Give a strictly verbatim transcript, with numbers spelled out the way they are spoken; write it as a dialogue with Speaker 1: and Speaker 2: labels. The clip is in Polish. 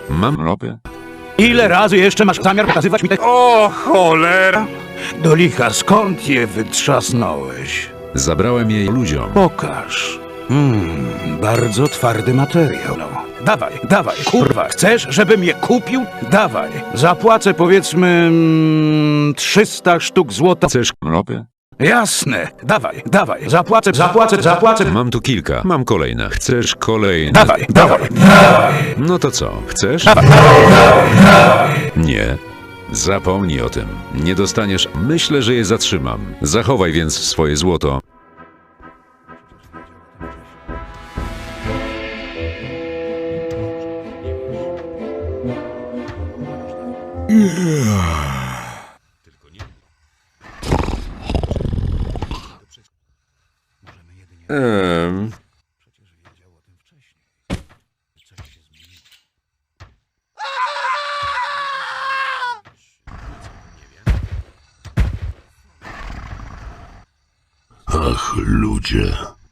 Speaker 1: Mam ropę.
Speaker 2: Ile razy jeszcze masz zamiar pokazywać mi te...
Speaker 3: O cholera!
Speaker 2: Do licha, skąd je wytrzasnąłeś?
Speaker 1: Zabrałem jej ludziom.
Speaker 2: Pokaż. Hmm, bardzo twardy materiał. No. Dawaj, dawaj, kurwa. Chcesz, żebym je kupił? Dawaj. Zapłacę powiedzmy mm, trzysta sztuk złota.
Speaker 1: Chcesz ropę?
Speaker 2: Jasne. Dawaj, dawaj. Zapłacę, zapłacę, zapłacę.
Speaker 1: Mam tu kilka. Mam kolejne. Chcesz kolejne?
Speaker 2: Dawaj, dawaj.
Speaker 1: No to co? Chcesz?
Speaker 2: Dawaj.
Speaker 1: Nie. Zapomnij o tym. Nie dostaniesz. Myślę, że je zatrzymam. Zachowaj więc swoje złoto. Ehm.
Speaker 4: Ach, ludzie.